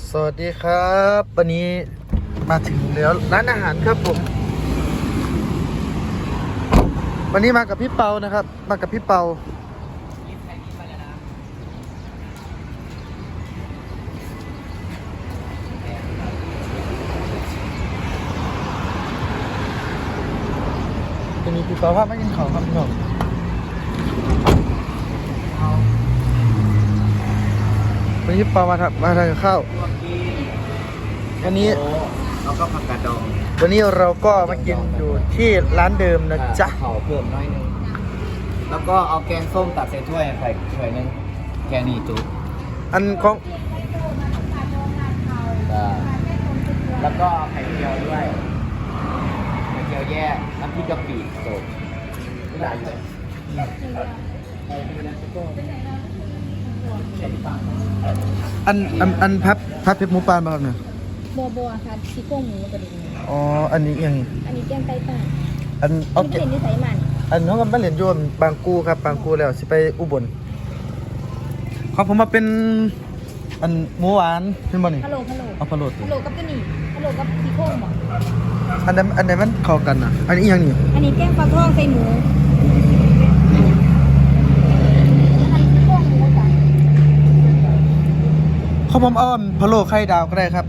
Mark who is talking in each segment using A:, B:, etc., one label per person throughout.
A: สวัสดีครับวันนี้มาถึงแล้วร้านอาหารครับผมวันนี้มากับพี่เปานะครับมากับพี่เปาวันนี้พี่เปาพามากินข้าวครับพี่น้องวันนี้พี่เปามาทานข้าววันนี้
B: เราก็ผักกาดดอง
A: วันนี้เราก็มากินอยู่ที่ร้านเดิมนะจ๊ะ
B: เผาเพิ่มน้อยนึงแล้วก็เอาแกงส้มตักใส่ถ้วยใส่ถ้วยนึงแค่นี้จุ๊บ
A: อันของ
B: แล้วก็ไข่เจียวด้วยไข่เจียวแยกน้ำพริกกะปิจบไม่ได้เลย
A: อันพับเพชรหมูปานมาครับเนี่ย
C: บัวค่ะซี่โครงหมูกระดูกหมู
A: อ๋ออันนี้ยัง
C: อันนี้แกงไตปลา
A: อัน
C: อั
A: เอา
C: นนี้
A: เก็บ
C: เป็นนิสัยมัน
A: อันน้องกันบ้านเหรียญโยมบางกูครับบางกูแล้วสิไปอุบลของผมมาเป็นอันหมูหวานเป็นบ่นี่
C: ฮัลโหล
A: เอาพะโล้
C: ฮัลโหลกับตัวนี้ฮัลโหลกับซี่โครงบ่
A: อันนั้นมันเข้ากันอ่ะอันนี้อีหยังนี่
C: อันนี้แกงปลาทองใส่หมูอันนี้ซี่โครงหมูจ้ะ
A: ของผมเอาพะโล้ไข่ดาวก็ได้ครับ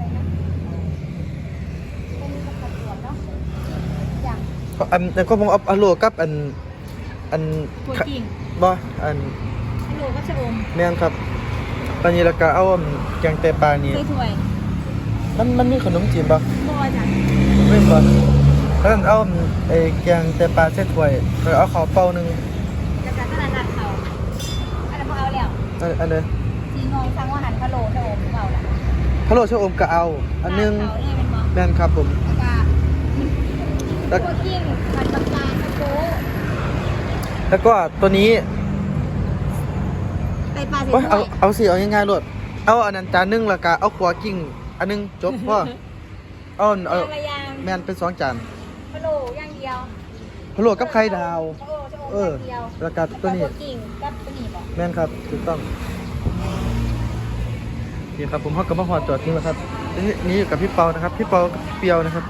C: เป็นผัดสวนเนาะอย่าง
A: แต่ก็ผมเอาพะโล้กับอัน
C: ถั่วกิ่ง
A: บ่อัน
C: ฮัลโหลกับชะอม
A: แม่นครับตอนนี้แล้วก็เอาแกงไตปลานี่
C: ใส่ถ้วย
A: มันมีขนมจีนบ่
C: บัวจ้ะ
A: ไม่บ่แล้วเอาไอ้แกงไตปลาใส่ถ้วยแล้วเอาข้าวเปล่านึง
C: แล้วก็ตลาดนัดเขาอันนั้นพอเอาแล้ว
A: อันนี้
C: สีงงสั่งว่าหันฮัลโหลชะอมเปล่าล่ะ
A: พะโล้ชะอมก็เอาอันนึง
C: เขาเลยเป็นบ่
A: แม่นครับผม
C: แล้วก็ถั่วกิ่งผัดปลากาตะโก้
A: แล้วก็ตัวนี้
C: ไตปลาใส่
A: โอ๊ย
C: ถ้วย
A: เอาสิเอาง่ายๆโลดเอาอันนั้นจานนึงแล้วก็เอาขัวกิ้งอันนึงจบพ่อเอา
C: ยางละยาง
A: แม่นเป็น2จาน
C: พะโลอย่างเดียว
A: พะโล้กับไข่ดาว
C: ชะโออย่างเดียว
A: แล้วก็ตัวนี้
C: กิ่งกับตัวนี้บอก
A: แม่นครับถูกต้องนี่ครับผมเฮาก็มาฮอดจอดทิ้งแล้วครับนี่อยู่กับพี่เปานะครับพี่เปากับพี่เปียวนะครับ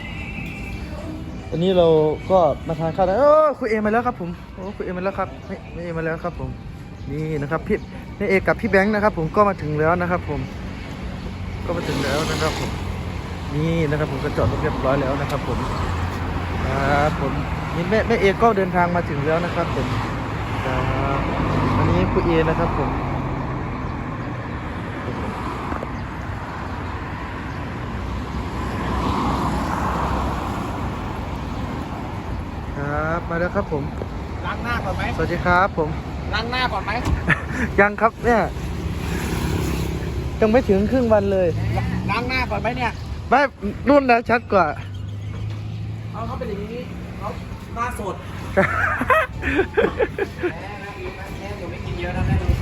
A: วันนี้เราก็มาทานข้าวแล้วคุยเอมาแล้วครับผมโอ้คุยเอมาแล้วครับไม่เอมาแล้วครับผมนี่นะครับพี่แม่เอกกับพี่แบงค์นะครับผมก็มาถึงแล้วนะครับผมก็มาถึงแล้วนะครับผมนี่นะครับผมก็จอดรถเรียบร้อยแล้วนะครับผมครับผมนี่แม่เอกก็เดินทางมาถึงแล้วนะครับผมครับวันนี้คุยเอนะครับผมครับมาแล้วครับผม
B: ล้างหน้าก่อนไหม
A: สวัสดีครับผม
B: ล้างหน้าก่อนไหม
A: ยังครับเนี่ยยังไม่ถึงครึ่งวันเลย
B: ล้างหน้าก่อนไหมเนี่ย
A: ไม่รุ่นแล้วชัดกว่า
B: เขาเป็นอย่างนี้เขาหน้าสดแม่อยู่ไม่กินเยอะนะแม่ดู